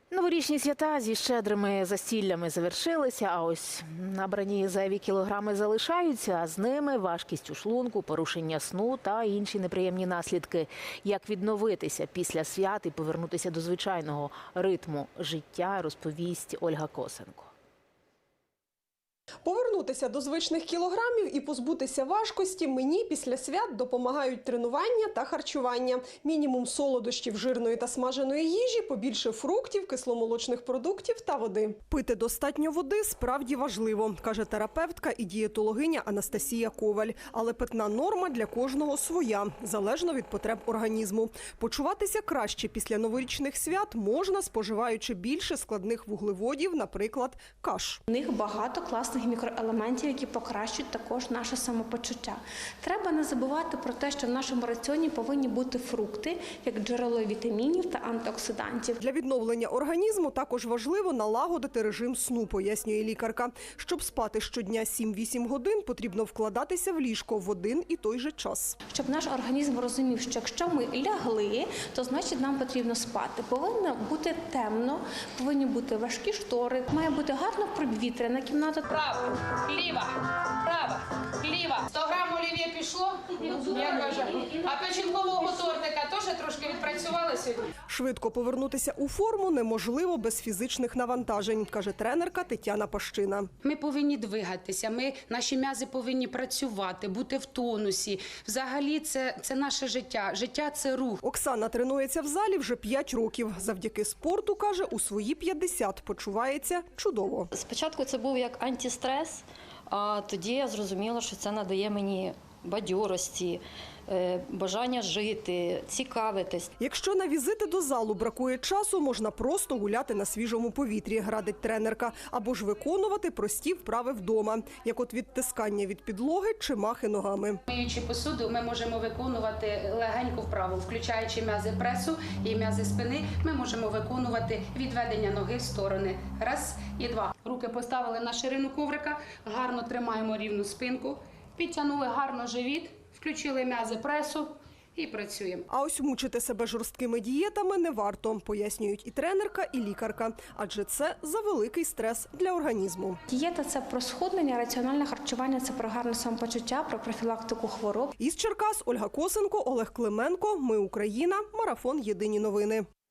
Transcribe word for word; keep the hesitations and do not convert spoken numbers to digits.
Новорічні свята зі щедрими застіллями завершилися, а ось набрані зайві кілограми залишаються, а з ними важкість у шлунку, порушення сну та інші неприємні наслідки. Як відновитися після свят і повернутися до звичайного ритму життя, розповість Ольга Косенко. Повернутися до звичних кілограмів і позбутися важкості мені після свят допомагають тренування та харчування. Мінімум солодощів, жирної та смаженої їжі, побільше фруктів, кисломолочних продуктів та води. Пити достатньо води справді важливо, каже терапевтка і дієтологиня Анастасія Коваль. Але питна норма для кожного своя, залежно від потреб організму. Почуватися краще після новорічних свят можна, споживаючи більше складних вуглеводів, наприклад, каш. У них багато класних мікроелементів, які покращують також наше самопочуття. Треба не забувати про те, що в нашому раціоні повинні бути фрукти, як джерело вітамінів та антиоксидантів. Для відновлення організму також важливо налагодити режим сну, пояснює лікарка. Щоб спати щодня сім-вісім годин, потрібно вкладатися в ліжко в один і той же час. Щоб наш організм розумів, що якщо ми лягли, то значить нам потрібно спати. Повинно бути темно, повинні бути важкі штори, має бути гарно провітряна кімната. Право, ліва, права, ліва. сто грам олів'є пішло, я кажу. А печінкового тортика теж трошки відпрацювали сьогодні. Швидко повернутися у форму неможливо без фізичних навантажень, каже тренерка Тетяна Пащина. Ми повинні двигатися, ми, наші м'язи повинні працювати, бути в тонусі. Взагалі це, це наше життя. Життя – це рух. Оксана тренується в залі вже п'ять років. Завдяки спорту, каже, у свої п'ятдесят почувається чудово. Спочатку це був як антистрес, а тоді я зрозуміла, що це надає мені бадьорості, бажання жити, цікавитись. Якщо на візити до залу бракує часу, можна просто гуляти на свіжому повітрі, радить тренерка, або ж виконувати прості вправи вдома, як от відтискання від підлоги чи махи ногами. Миючи посуду, ми можемо виконувати легеньку вправу, включаючи м'язи пресу і м'язи спини, ми можемо виконувати відведення ноги в сторони. Раз і два. Руки поставили на ширину коврика, гарно тримаємо рівну спинку, підтягнули гарно живіт, включили м'язи пресу і працюємо. А ось мучити себе жорсткими дієтами не варто, пояснюють і тренерка, і лікарка, адже це завеликий стрес для організму. Дієта – це про схуднення, раціональне харчування – це про гарне самопочуття, про профілактику хвороб. Із Черкас Ольга Косенко, Олег Клименко. Ми Україна. Марафон. Єдині новини.